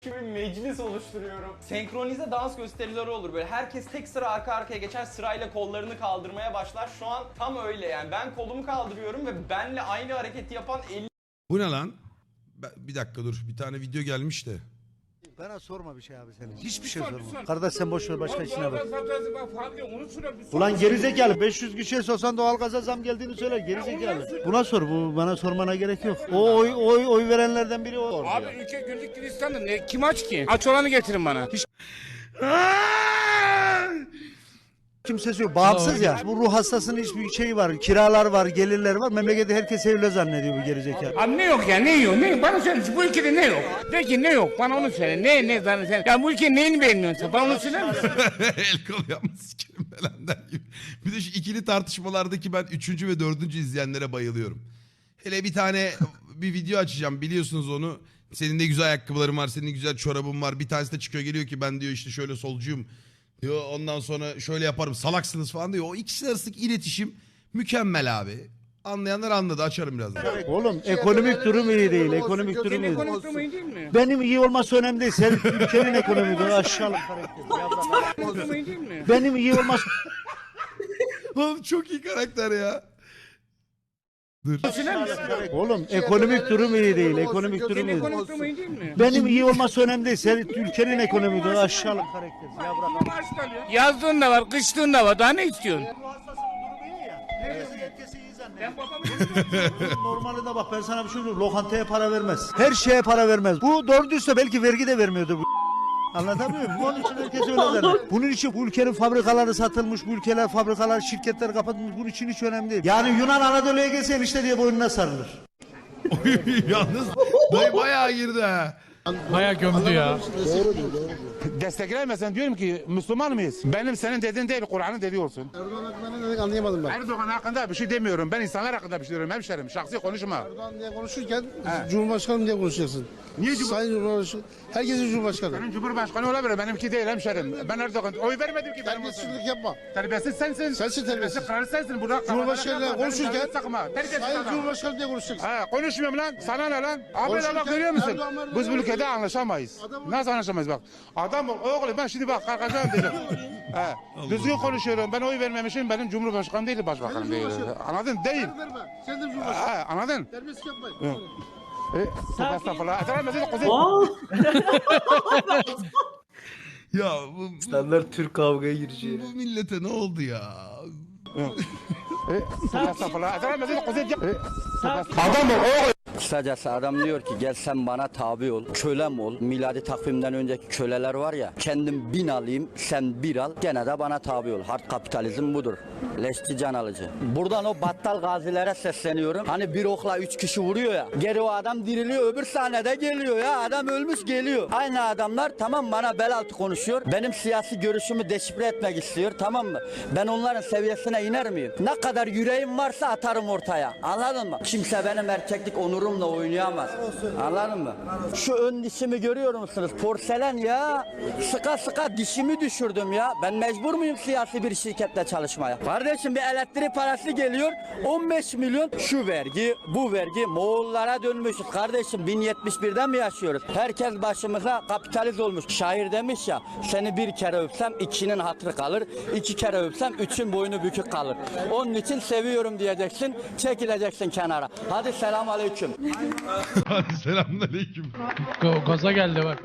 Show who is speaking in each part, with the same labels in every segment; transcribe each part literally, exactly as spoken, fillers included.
Speaker 1: bir meclis oluşturuyorum. Senkronize dans gösterileri olur böyle. Herkes tek sıra arka arkaya geçer, sırayla kollarını kaldırmaya başlar. Şu an tam öyle yani. Ben kolumu kaldırıyorum ve benle aynı hareketi yapan elli
Speaker 2: Bu ne lan? Ben- Bir dakika dur. Bir tane video gelmiş de.
Speaker 3: Bana sorma bir şey abi senin. Hiçbir şey sorma. Kardeş sen boş ver başka işine bak. Ulan gerizekalı beş yüz kişiye sorsan doğalgaza zam geldiğini söyler gerizekalı. Buna sor, bu bana sormana gerek yok. O oy oy oy verenlerden biri o.
Speaker 4: Abi ülke güllük gülistanlı ne kim aç ki? Aç olanı getirin bana. Hiç
Speaker 3: Kimsesi yok. Bağımsız ya. Bu ruh hastasının hiçbir şeyi var. Kiralar var, gelirler var. Memlekette herkes evli zannediyor bu gerizekalı.
Speaker 4: Abi ne yok ya ne yok ne bana söyle bu ülkede ne yok? De ki ne yok bana onu söyle ne ne bana sen. Ya bu ülkenin neyini beğenmiyorsun sen bana onu söyler misin?
Speaker 2: El kol yapma sikerim belenden gibi. Bir de şu ikili tartışmalardaki ben üçüncü ve dördüncü izleyenlere bayılıyorum. Hele bir tane bir video açacağım biliyorsunuz onu. Senin de güzel ayakkabıların var, senin de güzel çorabın var. Bir tanesi de çıkıyor geliyor ki ben diyor işte şöyle solcuyum. Diyor ondan sonra şöyle yaparım salaksınız falan diyor. O ikisi arasındaki iletişim mükemmel abi. Anlayanlar anladı açarım birazdan.
Speaker 3: Oğlum ekonomik durum iyi değil. Ekonomik durum iyi değil.
Speaker 4: Ekonomik durumu iyi değil mi?
Speaker 3: Benim iyi olması önemli değil. Sen ülkenin ekonomik durumu aşağılık karakter.
Speaker 4: Ekonomik durumu iyi değil mi?
Speaker 3: Benim iyi olması
Speaker 2: Oğlum çok iyi karakter ya. Dur.
Speaker 4: Söyler misin?
Speaker 3: Oğlum ekonomik durum iyi değil. Ekonomik durum iyi değil.
Speaker 4: Ekonomik durumu iyi değil mi?
Speaker 3: Benim iyi olması önemli değil. Sen ülkenin ekonomik durumu aşağılık karakter. Ya bırak.
Speaker 4: Yazdığın da var kıştığın da var daha ne istiyorsun?
Speaker 3: Normalde bak ben sana bir şey söyleyeyim. Lokantaya para vermez. Her şeye para vermez. Bu doğru düzse belki vergi de vermiyordu bu. Anlatabiliyor muyum? Onun için herkes öyle zannediyor. Bunun için bu ülkenin fabrikaları satılmış, bu ülkeler fabrikalar, şirketler kapatılmış. Bunun için hiç önemli değil. Yani Yunan Anadolu'ya gelse işte diye boynuna sarılır.
Speaker 2: Yalnız dayı bayağı girdi ha.
Speaker 5: Bayağı gömdü ya.
Speaker 6: Desteklemesen diyorum ki Müslüman mıyız? Benim senin dediğin değil Kur'an'ın dediği olsun.
Speaker 7: Erdoğan hakkında ne dedik anlayamadım ben.
Speaker 6: Erdoğan hakkında bir şey demiyorum. Ben insanlar hakkında bir şey diyorum hemşerim. Şahsi konuşma.
Speaker 7: Erdoğan diye konuşurken Cumhurbaşkanım diye konuşacaksın.
Speaker 6: Niye Cumhur-
Speaker 7: Sayın Cumhurbaşkanı, herkesin Cumhurbaşkanı.
Speaker 6: Senin Cumhurbaşkanı olabilir. Benimki değil hemşerim. Ben Erdoğan oy vermedim ki benim olsun.
Speaker 7: Terbiyesizlik yapma.
Speaker 6: Terbiyesiz sensin.
Speaker 7: Sensin terbiyesiz.
Speaker 6: Karı sensin. Burada
Speaker 7: Cumhurbaşkanıyla konuşurken
Speaker 6: sakma. Terbiyesiz
Speaker 7: Sayın
Speaker 6: adam.
Speaker 7: Cumhurbaşkanı diye konuşacaksın.
Speaker 6: Ha, konuşmuyorum lan. Sana ne lan? Abi
Speaker 7: Konuşurken
Speaker 6: bak görüyor musun?
Speaker 7: Erdoğan, Erdoğan,
Speaker 6: Biz bu ülkede
Speaker 7: Erdoğan.
Speaker 6: anlaşamayız.
Speaker 7: Adam-
Speaker 6: Nasıl anlaşamayız bak. Adam oğlum ben şimdi bak kalkacağım diyeceğim. He. Düzgün konuşuyorum. Ben oy vermemişim. Benim Cumhurbaşkanım değil, başbakanım değil.
Speaker 7: Cumhurbaşkanı.
Speaker 6: Anladın? Değil.
Speaker 7: Verme. Sen de Cumhurbaşkanı.
Speaker 6: Ha, anladın?
Speaker 7: Terbiyesizlik yapmayın.
Speaker 6: E, estağfurullah. Estağfurullah. Kuzey.
Speaker 2: Ya bu, bu,
Speaker 8: İnsanlar Türk kavgaya gireceği.
Speaker 2: bu millete ne oldu ya?
Speaker 6: E, estağfurullah. Estağfurullah. Kuzey. E, Adam o.
Speaker 9: Kısacası adam diyor ki gel sen bana tabi ol, kölem ol. Miladi takvimden önceki köleler var ya, kendim bin alayım, sen bir al, gene de bana tabi ol. Hard kapitalizm budur. Leşçi can alıcı. Buradan o battal gazilere sesleniyorum. Hani bir okla üç kişi vuruyor ya, geri o adam diriliyor, öbür sahnede geliyor ya, adam ölmüş geliyor. Aynı adamlar tamam bana bel altı konuşuyor, benim siyasi görüşümü deşifre etmek istiyor, tamam mı? Ben onların seviyesine iner miyim? Ne kadar yüreğim varsa atarım ortaya, anladın mı? Kimse benim erkeklik onurumla oynayamaz. Anladın mı? Şu ön dişimi görüyor musunuz? Porselen ya. Sıka sıka dişimi düşürdüm ya. Ben mecbur muyum siyasi bir şirkette çalışmaya? Kardeşim bir elektrik parası geliyor. on beş milyon şu vergi, bu vergi. Moğollara dönmüşüz. Kardeşim bin yetmiş birden mi yaşıyoruz? Herkes başımıza kapitalist olmuş. Şair demiş ya, seni bir kere öpsem ikinin hatırı kalır. İki kere öpsem üçün boynu bükük kalır. Onun için seviyorum diyeceksin. Çekileceksin kenara. Hadi selam aleyküm.
Speaker 2: Hadi selamünaleyküm.
Speaker 5: Go- gaza geldi bak.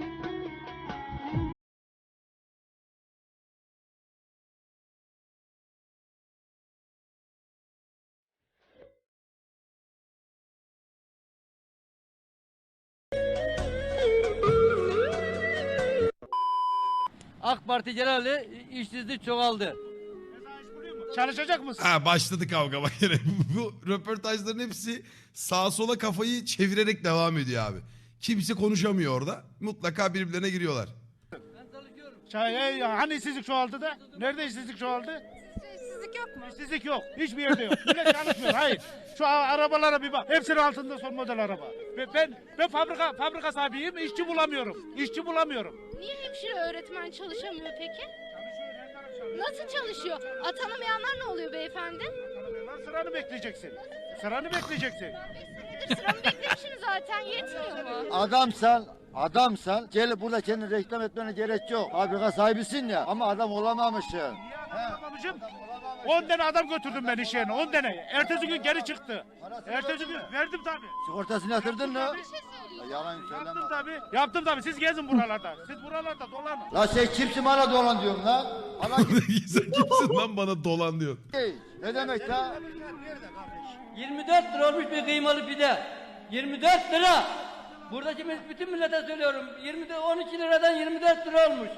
Speaker 8: AK Parti genelde işsizlik çoğaldı.
Speaker 4: Çalışacak mısın?
Speaker 2: Ha başladı kavga bak yine. Bu röportajların hepsi sağa sola kafayı çevirerek devam ediyor abi. Kimse konuşamıyor orada. Mutlaka birbirlerine giriyorlar.
Speaker 10: Şey, hani işsizlik çoğaldı da? Nerede işsizlik çoğaldı?
Speaker 11: İşsizlik yok mu?
Speaker 10: İşsizlik yok. Hiçbir yerde yok. Millet çalışmıyor. Hayır. Şu arabalara bir bak. Hepsinin altında son model araba. Ben ben, ben fabrika fabrika sahibiyim. İşçi bulamıyorum. İşçi bulamıyorum.
Speaker 11: Niye hemşire öğretmen çalışamıyor peki? Nasıl çalışıyor? Atanamayanlar ne oluyor beyefendi?
Speaker 10: Sıranı bekleyeceksin. Sıranı bekleyeceksin.
Speaker 11: Sıramı beklemişim zaten yetmiyor mu?
Speaker 3: Adamsan Adamsan gelip burada kendini reklam etmene gerek yok. Fabrika sahibisin ya ama adam olamamışsın.
Speaker 10: Olamamışım. on tane adam götürdüm ben iş yerine. on tane. Ertesi gün geri çıktı. Ertesi gün verdim tabii.
Speaker 3: Sigortasını yatırdın mı?
Speaker 11: Bir şey söyleyeyim.
Speaker 3: Yalan söyleme.
Speaker 10: Yaptım tabii. Yaptım tabii. Siz gezin buralarda. Siz buralarda dolanın.
Speaker 3: La sen kimsin bana dolan diyorsun lan? Bana
Speaker 2: Sen kimsin lan bana dolan diyor.
Speaker 3: ne demek la?
Speaker 8: yirmi dört lira olmuş bir kıymalı pide. yirmi dört lira. Buradaki bütün millete söylüyorum. yirmi on iki liradan yirmi dört lira olmuş.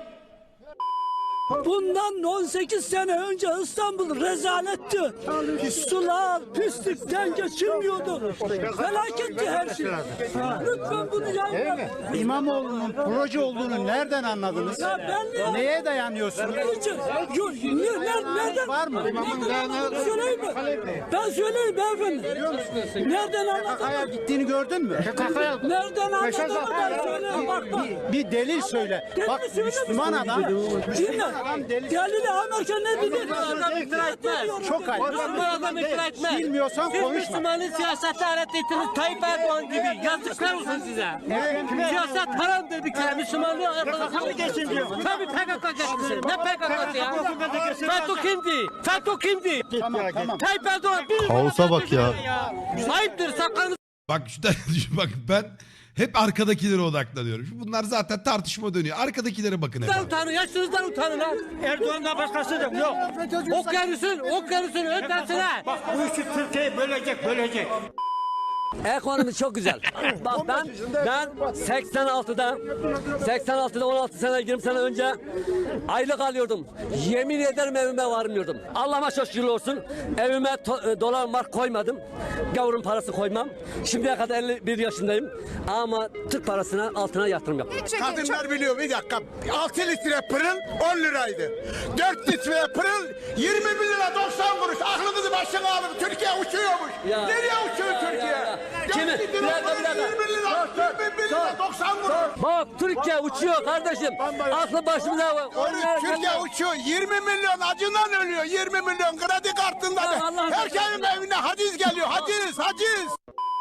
Speaker 12: Bundan on sekiz sene önce İstanbul rezaletti. Sular pislikten geçilmiyordu. Felaketti her şey. Lütfen bunu yapmayın.
Speaker 3: İmamoğlu'nun proje olduğunu nereden anladınız?
Speaker 12: Ya ben
Speaker 3: Neye dayanıyorsunuz?
Speaker 12: Niçin? Yok, ne, ne, nereden?
Speaker 3: Var mı?
Speaker 12: Nereden söyleyeyim mi? Ben söyleyeyim beyefendi. Nereden anladın?
Speaker 3: Gittiğini gördün mü?
Speaker 12: Nereden anladın ben söyleyeyim bak bak.
Speaker 3: Bir delil söyle. Bak Müslüman adam.
Speaker 12: Dinle. Delili Amerika ne dedi?
Speaker 3: Çok ayıp.
Speaker 8: adam ikna etmez.
Speaker 3: Bilmiyorsan
Speaker 8: Siz
Speaker 3: konuşma.
Speaker 8: Müslümanın siyasette öğrettiğiniz Tayyip Erdoğan gibi. Yazıklar olsun size. Siyaset haramdır bir kere. Müslümanlığı arkadaşlar geçsin diyor. Tabii P K K geçsin. Ne P K K'sı ya? FETÖ kimdi? FETÖ kimdi?
Speaker 3: Tamam tamam.
Speaker 8: Tayyip Erdoğan bir
Speaker 3: Kaosa bak ya.
Speaker 8: Ayıptır sakalınızı.
Speaker 2: Bak şu bak ben hep arkadakilere odaklanıyorum. Bunlar zaten tartışma dönüyor. Arkadakilere bakın hep.
Speaker 8: utanın, yaşınızdan utanın ha.
Speaker 10: Erdoğan'dan başkası yok. Yok.
Speaker 8: Okyanusun, okyanusun ötesine.
Speaker 10: Bak bu işi Türkiye'yi bölecek, bölecek.
Speaker 8: Ekonomi çok güzel. Bak ben ben seksen altıda seksen altıda on altı sene yirmi sene önce aylık alıyordum. Yemin ederim evime varmıyordum. Allah'ıma çok şükür olsun. Evime to- dolar mark koymadım. Gavurun parası koymam. Şimdiye kadar elli bir yaşındayım. Ama Türk parasına altına yatırım yapıyorum.
Speaker 6: Kadınlar biliyor bir dakika. altı litre pırıl on liraydı. dört litre pırıl yirmi bir lira doksan kuruş. Aklınızı başına alın. Türkiye uçuyormuş.
Speaker 8: Ya.
Speaker 6: Nereye uçuyor
Speaker 8: Ya, ya,
Speaker 6: Türkiye?
Speaker 8: ya.
Speaker 6: dört
Speaker 8: Kimi?
Speaker 6: litre
Speaker 8: Bir dakika, bir
Speaker 6: pırıl
Speaker 8: dakika.
Speaker 6: yirmi lira, yirmi bir lira doksan kuruş.
Speaker 8: Bak Türkiye uçuyor kardeşim. Aklı başımıza var.
Speaker 6: Doğru, Türkiye uçuyor. yirmi milyon acından ölüyor. yirmi milyon kredi kartında.
Speaker 8: Ya Allah
Speaker 6: Herkesin evine haciz geliyor. Haciz, haciz.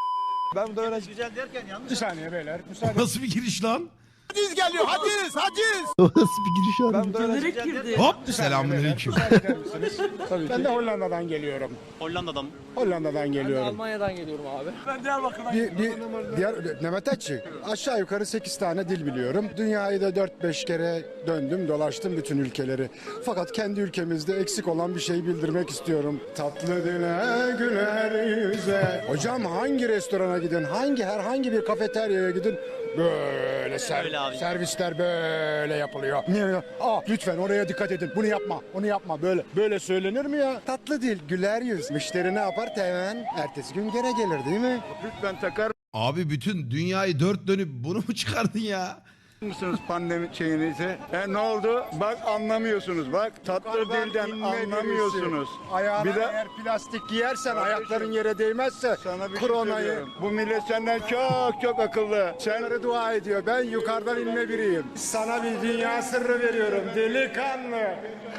Speaker 10: Bir saniye beyler. Müsaade.
Speaker 2: Nasıl bir giriş lan?
Speaker 6: Haciz geliyor. Haciz, haciz.
Speaker 2: Nasıl bir giriş abi?
Speaker 8: Gönderek girdi.
Speaker 2: Hop selamünaleyküm.
Speaker 10: Ben de Hollanda'dan geliyorum.
Speaker 7: Hollanda'dan.
Speaker 10: Hollanda'dan geliyorum.
Speaker 8: Almanya'dan geliyorum abi.
Speaker 10: Bir, bir diğer Nemetetçi aşağı yukarı sekiz tane dil biliyorum. Dünyayı da dört beş kere döndüm dolaştım bütün ülkeleri. Fakat kendi ülkemizde eksik olan bir şey bildirmek istiyorum. Tatlı dile güler yüze. Hocam hangi restorana gidin, hangi herhangi bir kafeteryaya gidin böyle ser- servisler böyle yapılıyor. Niye? Aa, lütfen oraya dikkat edin. Bunu yapma, onu yapma. Böyle böyle söylenir mi ya? Tatlı dil, güler yüz. Müşteri ne yapar? Hemen ertesi gün gene gelir değil mi? Lütfen takar
Speaker 2: Abi bütün dünyayı dört dönüp bunu mu çıkardın ya?
Speaker 10: mısınız pandemi şeyinizi? E, ne oldu? Bak anlamıyorsunuz. Bak tatlı dilden anlamıyorsunuz. Ayağına bir de eğer plastik giyersen ayakların yere değmezse koronayı. Bu millet senden çok çok akıllı. Senleri dua ediyor. Ben yukarıdan inme biriyim. Sana bir dünya sırrı veriyorum. Delikanlı.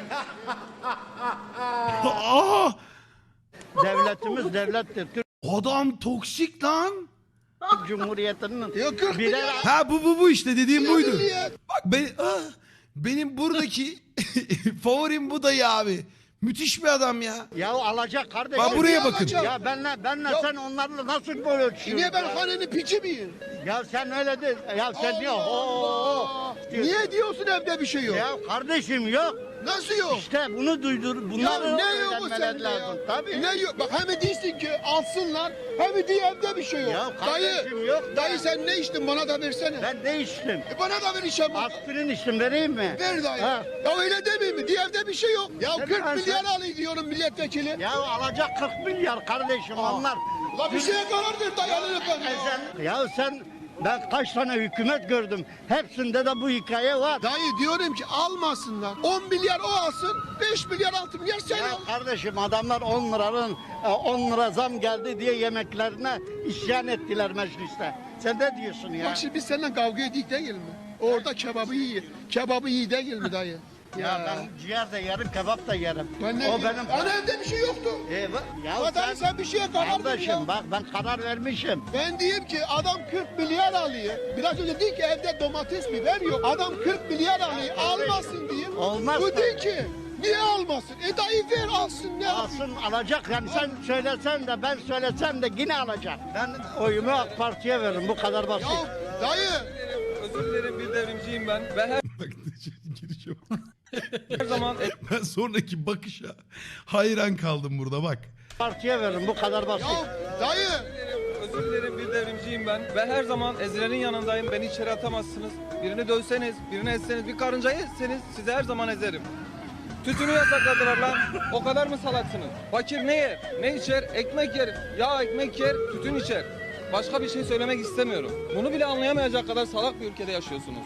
Speaker 2: Aa!
Speaker 3: Devletimiz devlettir. Türk
Speaker 2: Adam toksik lan.
Speaker 3: Cumhuriyeti'nin
Speaker 7: birer
Speaker 2: Ha bu bu bu işte dediğim buydu. Bak ben ah, benim buradaki favorim bu dayı abi. Müthiş bir adam ya.
Speaker 3: Ya alacak kardeşim.
Speaker 2: Bak buraya bakın.
Speaker 3: Ya benle benle sen onlarla nasıl böyle ölçüyorsun?
Speaker 7: Niye ben hanenin piçi miyim?
Speaker 3: Ya sen öyle değil. Ya sen diyor. Oo.
Speaker 7: Niye diyorsun evde bir şey yok?
Speaker 3: Ya kardeşim yok.
Speaker 7: Nasıl yok?
Speaker 3: İşte bunu duydur.
Speaker 7: Ya
Speaker 3: Bunları
Speaker 7: ne yok bu
Speaker 3: öğrenmeleri
Speaker 7: sende
Speaker 3: lazım.
Speaker 7: ya?
Speaker 3: Tabii.
Speaker 7: Ne yok? Bak hem değilsin ki alsınlar hem diye evde bir şey yok.
Speaker 3: Ya
Speaker 7: dayı,
Speaker 3: kardeşim yok da.
Speaker 7: dayı sen ne içtin bana da versene.
Speaker 3: Ben ne içtim?
Speaker 7: E bana da ver işe bak.
Speaker 3: Aspirin içtim vereyim mi?
Speaker 7: Ver dayı.
Speaker 3: Ha.
Speaker 7: Ya öyle demeyeyim mi? Diye evde bir şey yok. Ya
Speaker 3: Ne
Speaker 7: kırk
Speaker 3: ben
Speaker 7: milyar
Speaker 3: sen-
Speaker 7: alayım diyorum milletvekili.
Speaker 3: Ya alacak kırk milyar kardeşim onlar.
Speaker 7: La bir şeye karar ver dayı alın efendim.
Speaker 3: E sen- Ya sen ben kaç tane hükümet gördüm. Hepsinde de bu hikaye var.
Speaker 7: Dayı diyorum ki almasınlar. on milyar o alsın, beş milyar altı milyar sen
Speaker 3: Ya
Speaker 7: al.
Speaker 3: kardeşim adamlar on liranın on lira zam geldi diye yemeklerine isyan ettiler mecliste. Sen ne diyorsun ya?
Speaker 7: Bak şimdi biz seninle kavga edik değil mi? Orada kebabı yiyor. Kebabı iyi değil mi dayı?
Speaker 3: Ya ben ciğer de yerim, kebap da yerim.
Speaker 7: Ben ne
Speaker 3: O
Speaker 7: diyeyim?
Speaker 3: benim.
Speaker 7: Ana evde bir şey yoktu.
Speaker 3: E, bak- ya
Speaker 7: Zaten sen bir şeye karar ver ya.
Speaker 3: Kardeşim bak ben karar vermişim.
Speaker 7: Ben diyeyim ki adam kırk milyar alıyor. Biraz önce dedi ki evde domates biber yok. Adam kırk milyar alıyor. Almasın diyeyim.
Speaker 3: Olmaz
Speaker 7: Bu
Speaker 3: tabii.
Speaker 7: değil ki. Niye almasın? E dayı ver alsın ne yapayım?
Speaker 3: Alsın alacak yani sen söylesen de ben söylesem de yine alacak. Ben oyumu AK Parti'ye veririm bu kadar basit.
Speaker 7: Ya dayı.
Speaker 1: Özür dilerim, bir devrimciyim ben. Ve her
Speaker 2: Bak girişe bak.
Speaker 1: Her zaman
Speaker 2: Ben sonraki bakışa hayran kaldım burada bak.
Speaker 3: Partiye veririm bu kadar basit.
Speaker 7: Ya dayı.
Speaker 1: özür dilerim, bir devrimciyim ben. Ve her zaman ezilenin yanındayım. Beni içeri atamazsınız. Birini dövseniz, birini etseniz, bir karıncayı etseniz sizi her zaman ezerim. Tütünü yasakladılar lan. O kadar mı salaksınız? Fakir ne yer? Ne içer? Ekmek yer. Ya ekmek yer, tütün içer. Başka bir şey söylemek istemiyorum. Bunu bile anlayamayacak kadar salak bir ülkede yaşıyorsunuz.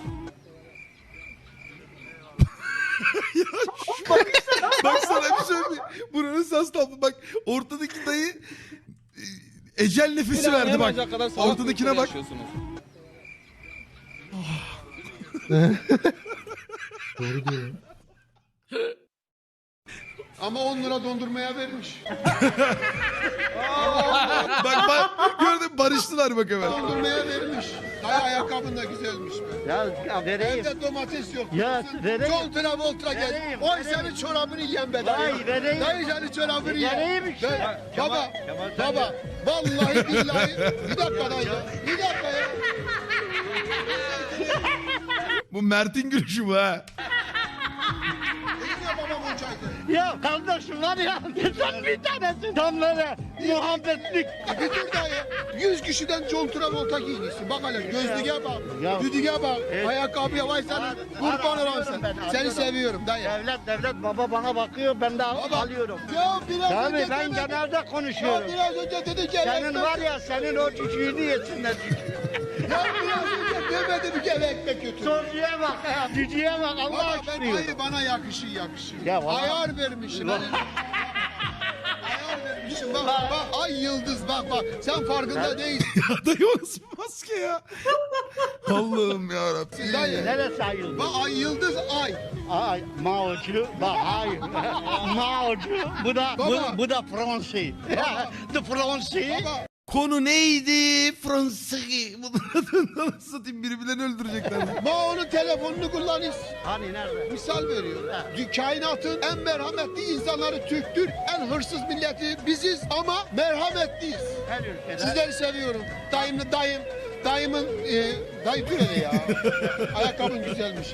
Speaker 2: Bak, bak sana bir şey söyleyeyim. Buranın sas tablo. Bak ortadaki dayı e, ecel nefesi
Speaker 1: Bile
Speaker 2: verdi bak.
Speaker 1: anlayamayacak kadar salak bir
Speaker 2: Ortadakine
Speaker 1: ülkede
Speaker 2: bak.
Speaker 1: yaşıyorsunuz.
Speaker 5: Doğru diyor.
Speaker 7: Ama on lira dondurmaya vermiş.
Speaker 2: Bak bak gördün barıştılar bak hemen.
Speaker 7: Dondurmaya vermiş. Dayı ayakkabın da güzelmiş be.
Speaker 3: Ya, ya vereyim.
Speaker 7: Evde domates yok.
Speaker 3: Ya, vereyim.
Speaker 7: John Travolta gel.
Speaker 3: Vereyim,
Speaker 7: Oy
Speaker 3: vereyim.
Speaker 7: senin çorabını yiyen be dayı.
Speaker 3: Vay, vereyim.
Speaker 7: Dayı senin çorabını yiyen.
Speaker 3: Vereyim işte.
Speaker 7: Ben-
Speaker 3: Kemal-
Speaker 7: baba,
Speaker 3: Kemal sen
Speaker 7: baba. Vallahi billahi. Bir dakika dayı. Bir dakika ya.
Speaker 2: Bu Mert'in gülüşü bu ha.
Speaker 7: Yine babam olacaktı.
Speaker 3: Ya kardeşim var ya sen bir tanesin. Tam böyle muhabbetlik.
Speaker 7: Bir dur dayı. Yüz kişiden John Travolta giymişsin. Bak hele gözlüğe bak.
Speaker 3: Ya.
Speaker 7: Düdüğe bak.
Speaker 3: Evet.
Speaker 7: Ayakkabıya vay senin.
Speaker 3: Var,
Speaker 7: Kurban
Speaker 3: var,
Speaker 7: olan
Speaker 3: alıyorum
Speaker 7: sen.
Speaker 3: ben,
Speaker 7: Seni
Speaker 3: alıyorum.
Speaker 7: seviyorum dayı.
Speaker 3: Devlet devlet baba bana bakıyor ben de al-
Speaker 7: Baba.
Speaker 3: alıyorum.
Speaker 7: Ya biraz
Speaker 3: Tabii
Speaker 7: önce
Speaker 3: ben
Speaker 7: demedin.
Speaker 3: genelde
Speaker 7: Ya
Speaker 3: konuşuyorum.
Speaker 7: biraz önce dedi ki
Speaker 3: Senin
Speaker 7: ekmek-
Speaker 3: var ya senin o cücüğünü yesinler cücüğü.
Speaker 7: Ya biraz önce demedi ki eve ekmek götür.
Speaker 3: Soruya bak ya cücüğe bak Allah
Speaker 7: Baba ben
Speaker 3: aşkına.
Speaker 7: hayır bana yakışır yakışır.
Speaker 3: Ya vallahi-
Speaker 7: Ayar vermişim. Ayar vermişim bak bak ay yıldız bak bak sen farkında değilsin.
Speaker 2: Ya dayı o nasıl bir maske ya? Allah'ım yarabbim.
Speaker 7: Dayı.
Speaker 3: Neresi ayıldı?
Speaker 7: Bak ay yıldız ay.
Speaker 3: Ay Mao'cu bak hayır. Mao'cu bu da bu,
Speaker 7: Baba.
Speaker 3: bu da Fransi. The Fransi.
Speaker 7: Baba
Speaker 2: Konu neydi? Fransız. Bunları nasıl satayım birbirlerini öldürecekler.
Speaker 7: bak onun telefonunu kullanırız.
Speaker 3: Hani nerede?
Speaker 7: Misal veriyorum. Dü- Kainatın en merhametli insanları Türktür. En hırsız milleti biziz ama merhametliyiz.
Speaker 3: Her ülkede.
Speaker 7: Sizleri seviyorum. Dayım, dayım, dayımın, e, dayı dur hele ya. Ayakkabın güzelmiş.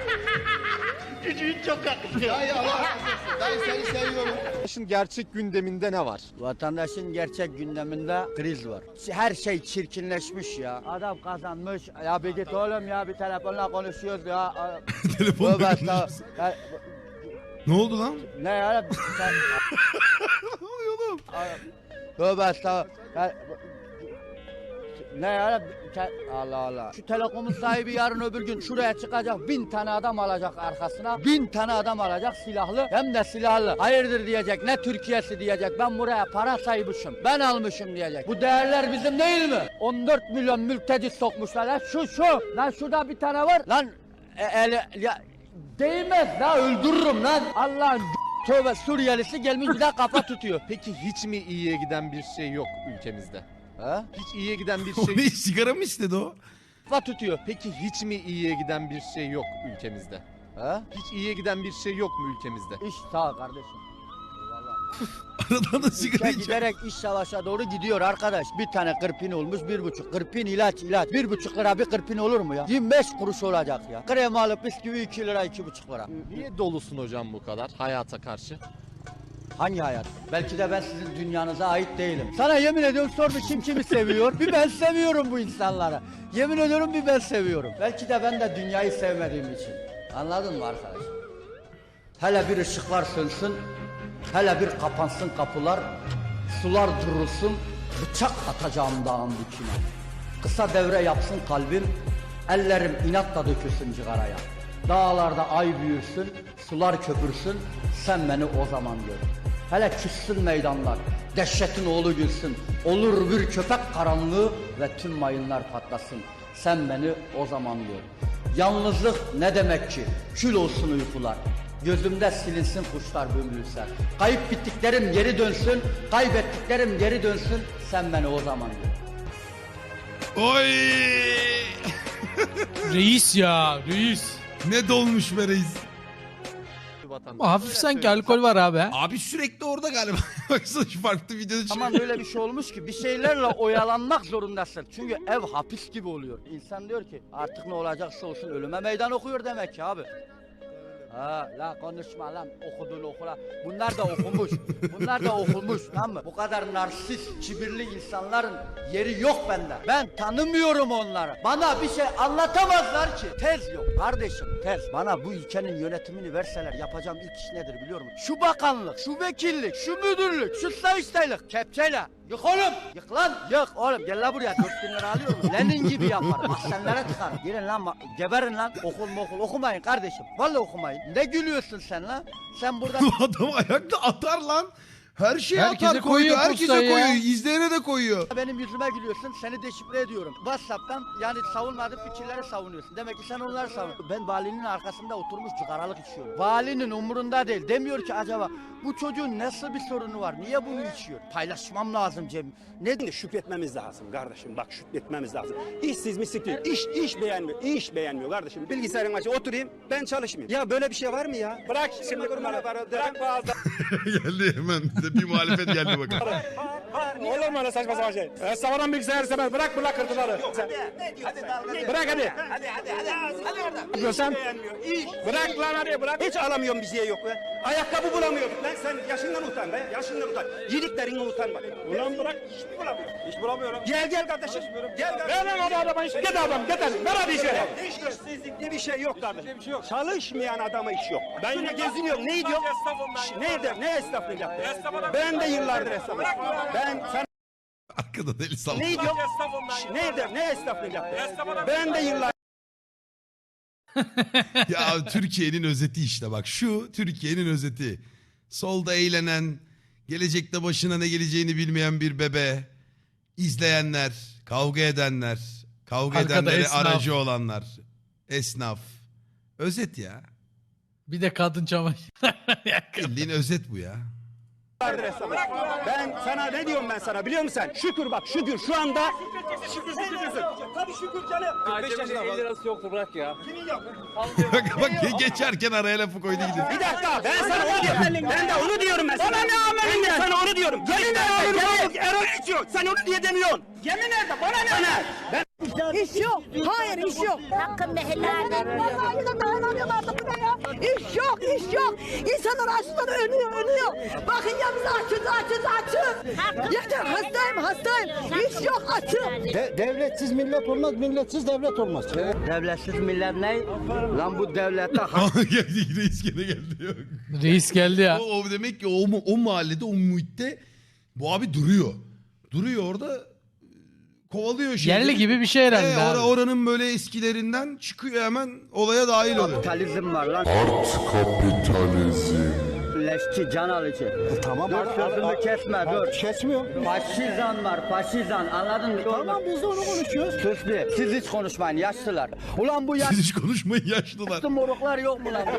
Speaker 3: Cücüğün çok yakışıyor.
Speaker 7: Dayı Allah razı olsun. Dayı seni seviyorum.
Speaker 13: Gerçek gündeminde ne var?
Speaker 9: Vatandaşın gerçek gündeminde kriz var. Her şey çirkinleşmiş ya. Adam kazanmış. Ya bir git oğlum ya bir telefonla konuşuyoruz ya.
Speaker 2: Telefonla
Speaker 9: Tövbe
Speaker 2: konuşuyoruz.
Speaker 9: estağfurullah. Ya,
Speaker 2: Ne oldu lan?
Speaker 9: ne ya? Sen...
Speaker 2: Ne oluyor oğlum?
Speaker 9: Tövbe estağfurullah. Ya, ne ya? Sen- Allah Allah. Şu telekomun sahibi yarın öbür gün şuraya çıkacak. Bin tane adam alacak arkasına. Bin tane adam alacak silahlı. Hem de silahlı. Hayırdır diyecek. Ne Türkiye'si diyecek. Ben buraya para saymışım. Ben almışım diyecek. Bu değerler bizim değil mi? on dört milyon mülteci sokmuşlar. Lan şu şu. Lan şurada bir tane var. Lan e, eli, ya, değmez. Lan öldürürüm lan. Allah'ın tövbe Suriyelisi gelmiş bir daha kafa tutuyor.
Speaker 13: Peki hiç mi iyiye giden bir şey yok ülkemizde?
Speaker 9: Ha?
Speaker 13: Hiç iyiye giden bir
Speaker 2: O
Speaker 13: şey
Speaker 2: ne sigara mı istedi o?
Speaker 9: Kafa tutuyor.
Speaker 13: Peki hiç mi iyiye giden bir şey yok ülkemizde?
Speaker 9: Ha?
Speaker 13: Hiç iyiye giden bir şey yok mu ülkemizde?
Speaker 9: İş sağ ol kardeşim.
Speaker 2: Aradan da sigara
Speaker 9: Ülke
Speaker 2: içiyor.
Speaker 9: giderek iş savaşa doğru gidiyor arkadaş. Bir tane kırpin olmuş bir buçuk. Kırpin ilaç ilaç. Bir buçuk lira bir kırpin olur mu ya? yirmi beş kuruş olacak ya. Krem alıp bisküvi iki lira iki buçuk lira.
Speaker 13: Niye dolusun hocam bu kadar hayata karşı?
Speaker 9: Hangi hayat? Belki de ben sizin dünyanıza ait değilim. Sana yemin ediyorum sor bir kim kimi seviyor. Bir ben seviyorum bu insanları. Yemin ediyorum bir ben seviyorum. Belki de ben de dünyayı sevmediğim için. Anladın mı arkadaş? Hele bir ışıklar sönsün. Hele bir kapansın kapılar. Sular durulsun. Bıçak atacağım dağın dikine. Kısa devre yapsın kalbim. Ellerim inatla dökülsün cigaraya. Dağlarda ay büyürsün, sular köpürsün, sen beni o zaman gör. Hele küssün meydanlar, dehşetin oğlu gülsün, olur bir köpek karanlığı ve tüm mayınlar patlasın. Sen beni o zaman gör. Yalnızlık ne demek ki? Kül olsun uykular. Gözümde silinsin kuşlar bömürürse. Kayıp bittiklerim geri dönsün, kaybettiklerim geri dönsün. Sen beni o zaman gör.
Speaker 2: Oy!
Speaker 5: Reis ya reis.
Speaker 2: Ne dolmuş be reis.
Speaker 5: Ama hafif sanki alkol var abi.
Speaker 2: Abi sürekli orada galiba. Baksana şu farklı videoda çıkıyor.
Speaker 9: Ama böyle bir şey olmuş ki bir şeylerle oyalanmak zorundasın. Çünkü ev hapis gibi oluyor. İnsan diyor ki artık ne olacaksa olsun ölüme meydan okuyor demek ki abi. Ha la konuşma lan okudun okula. Bunlar da okumuş. Bunlar da okumuş tamam mı? Bu kadar narsist, kibirli insanların yeri yok bende. Ben tanımıyorum onları. Bana bir şey anlatamazlar ki. Tez yok kardeşim tez. Bana bu ülkenin yönetimini verseler yapacağım ilk iş nedir biliyor musun? Şu bakanlık, şu vekillik, şu müdürlük, şu sayıştaylık kepçeyle. Yık oğlum. Yık lan. Yık oğlum. Gel la buraya. Dört bin lira alıyorum. Lenin gibi yaparım. Mahzenlere tıkarım. Gelin lan. Geberin lan. Okul mu okul. Okumayın kardeşim. Vallahi okumayın. Ne gülüyorsun sen lan? Sen burada...
Speaker 2: Adam ayakta atar lan. Her şeye
Speaker 5: Herkese
Speaker 2: atar koyuyor.
Speaker 5: koyuyor
Speaker 2: Herkese
Speaker 5: postayı ya.
Speaker 2: koyuyor. İzleyene de koyuyor.
Speaker 9: Benim yüzüme gülüyorsun. Seni deşifre ediyorum. WhatsApp'tan yani savunmadığın fikirleri savunuyorsun. Demek ki sen onları savunuyorsun. Ben valinin arkasında oturmuş cigaralık içiyorum. Valinin umurunda değil. Demiyor ki acaba bu çocuğun nasıl bir sorunu var? Niye bunu içiyor? Paylaşmam lazım Cem.
Speaker 14: Ne şükretmemiz lazım kardeşim. Bak şükretmemiz lazım. İşsiz mislik değil. İş, iş beğenmiyor. İş beğenmiyor kardeşim. Bilgisayarın açı oturayım ben çalışmayayım. Ya böyle bir şey var mı ya? Bırak şimdi kurbanı. Bırak bazı.
Speaker 2: Geldi hemen. Bir muhalefet geldi bakalım.
Speaker 14: Olur mu öyle saçma sapan şey? E, savaran bilgisayar istemez. Bırak bırak kırdıları. Bırak hadi. Hadi hadi hadi. Hadi oradan. Görsem. Bırak lan hadi bırak. Hiç alamıyorum bir şey yok be. Ayakkabı bulamıyorduk lan. Sen yaşından utan be. Yaşından utan. Yediklerine utan bak. Ulan bırak. Hiç mi bulamıyorum? Hiç bulamıyorum. Gel gel kardeşim. Gel kardeşim. Ver lan hadi adama iş. Git adam git hadi. Ver hadi işe. İşsizlik diye bir şey yok kardeşim. Çalışmayan adama iş yok. Ben yine geziniyorum. Ne diyor? Nerede? Ne esnaflık yaptı? Ben de yıllardır esnafım. Ben sen
Speaker 2: Arkada deli sallıyor.
Speaker 14: ne diyor? Nerede? Ne esnaflık yaptı? Ben de yıllar
Speaker 2: Ya Türkiye'nin özeti işte bak şu Türkiye'nin özeti. Solda eğlenen, gelecekte başına ne geleceğini bilmeyen bir bebe, izleyenler, kavga edenler, kavga
Speaker 5: Arkada
Speaker 2: edenlere
Speaker 5: esnaf.
Speaker 2: aracı olanlar, esnaf. Özet ya.
Speaker 5: Bir de kadın çamaşır.
Speaker 2: Bildiğin özet bu ya.
Speaker 14: Ben sana ne diyorum ben sana biliyor musun sen? Şükür bak şükür şu anda şükür şükür tabii şükür canım.
Speaker 8: elli lirası yoktu bırak ya.
Speaker 2: bak bak geçerken araya lafı koydu gidiyor.
Speaker 14: Bir dakika ben sana onu diyorum. Ben de onu diyorum ben sana. Bana ne amelin Ben de sana onu diyorum. Yemin ederim Erol içiyor. Sen onu diye demiyorsun. Yemin ederim bana ne? Bana. Ben
Speaker 12: İş yok. Hayır iş yok. Hakkın behellerde. Vallahi da dayanamıyorlardı buraya ya. İş yok, iş yok. İnsanlar açlıktan ölüyor, ölüyor. Bakın ya biz açız, açız, açız. Yeter hastayım, hastayım. İş yok, açım.
Speaker 3: De- devletsiz millet olmaz, milletsiz devlet olmaz.
Speaker 9: Devletsiz millet ne? Lan bu devlette
Speaker 2: geldi reis gene geldi. Yok.
Speaker 5: Reis geldi ya.
Speaker 2: O, o demek ki o, o mahallede o muhitte bu abi duruyor. Duruyor orada kovalıyor şeyleri.
Speaker 5: Yerli gibi bir şey herhalde
Speaker 2: Ee,
Speaker 5: abi.
Speaker 2: or- oranın böyle eskilerinden çıkıyor hemen olaya dahil oluyor.
Speaker 9: kapitalizm var lan.
Speaker 15: Art kapitalizm.
Speaker 9: Leşçi, can alıcı.
Speaker 3: Tamam.
Speaker 9: Dur sözümü kesme dur.
Speaker 3: Kesmiyor.
Speaker 9: Faşizan var faşizan anladın mı?
Speaker 3: Tamam biz de onu konuşuyoruz.
Speaker 9: Sus bir. Siz hiç konuşmayın yaşlılar. Ulan bu
Speaker 2: Siz hiç konuşmayın yaşlılar.
Speaker 9: yaşlı moruklar yok mu lan?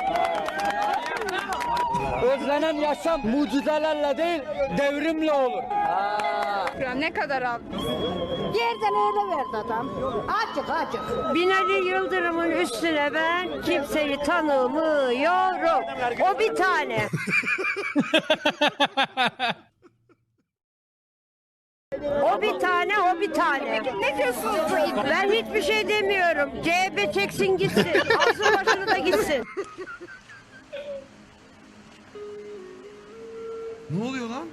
Speaker 9: Özlenen yaşam mucizelerle değil devrimle olur.
Speaker 11: Ne kadar aldın?
Speaker 12: Yerden öyle verdi adam. Açık, açık.
Speaker 16: Binali Yıldırım'ın üstüne ben kimseyi tanımıyorum. O bir tane. O bir tane, o bir tane.
Speaker 11: Ne diyorsunuz?
Speaker 16: Ben hiçbir şey demiyorum. C H P çeksin gitsin. Alsın başını da gitsin.
Speaker 2: Ne oluyor lan?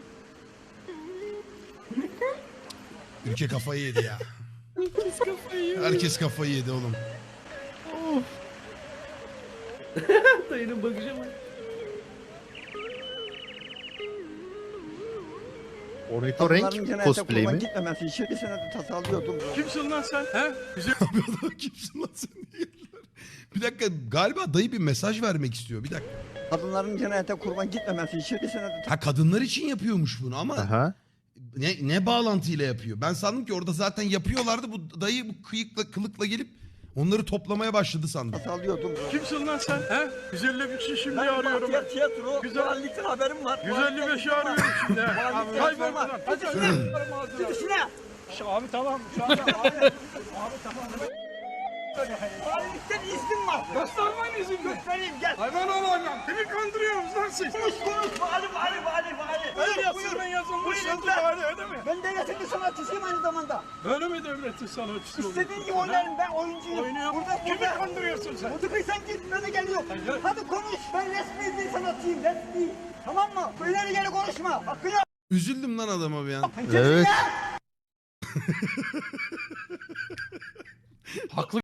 Speaker 2: Ülke kafayı yedi ya.
Speaker 5: Herkes kafayı yedi.
Speaker 2: Herkes kafayı yedi oğlum.
Speaker 5: Dayının bakışı mı?
Speaker 3: Ornitorenk cosplay mi?
Speaker 14: gitmemesi için bir sene tasarlıyordum.
Speaker 5: Kimsin lan sen? He?
Speaker 2: Kimsin lan sen diye geldiler. Bir dakika galiba dayı bir mesaj vermek istiyor. Bir dakika.
Speaker 14: Kadınların cennete kurban gitmemesi için bir sene
Speaker 2: Ha kadınlar için yapıyormuş bunu ama
Speaker 3: Aha.
Speaker 2: ne, ne bağlantıyla yapıyor? Ben sandım ki orada zaten yapıyorlardı. Bu dayı bu kıyıkla kılıkla gelip Onları toplamaya başladı sandım.
Speaker 7: Salıyordum.
Speaker 14: Kimsin lan sen? He? yüz elli beşi şimdi arıyorum.
Speaker 7: Tiyatro, tiyatro.
Speaker 14: Güzellikten
Speaker 7: haberim var.
Speaker 14: yüz elli beşi arıyorum şimdi. Kaybol buradan. Hadi
Speaker 7: Gidişine.
Speaker 14: Abi tamam. Şu anda abi. Abi tamam.
Speaker 7: Valilikten iznim var.
Speaker 14: Göstermen izin mi?
Speaker 7: Göstereyim gel.
Speaker 14: Hayvan olacağım. Kimi kandırıyorsunuz lan siz?
Speaker 7: Konuş konuş. Vali vali vali vali.
Speaker 14: Öyle
Speaker 7: Buyur,
Speaker 14: yazısından
Speaker 7: buyur.
Speaker 14: yazılmış
Speaker 7: Buyurun,
Speaker 14: yazı
Speaker 7: ben-
Speaker 14: vali öyle mi?
Speaker 7: Ben devletin bir sanatçısıyım aynı zamanda.
Speaker 14: Öyle mi devletin sanatçısı olur?
Speaker 7: İstediğin gibi oynarım ben oyuncuyum.
Speaker 14: Oynuyor.
Speaker 7: Burada
Speaker 14: Kimi
Speaker 7: burada.
Speaker 14: kandırıyorsun sen?
Speaker 7: Burada sen git böyle geliyor. Hadi konuş. Ben resmi bir sanatçıyım resmi. Tamam mı? İleri geri konuşma. Hakkını
Speaker 2: Üzüldüm lan adama bir an.
Speaker 7: Evet.
Speaker 5: Haklı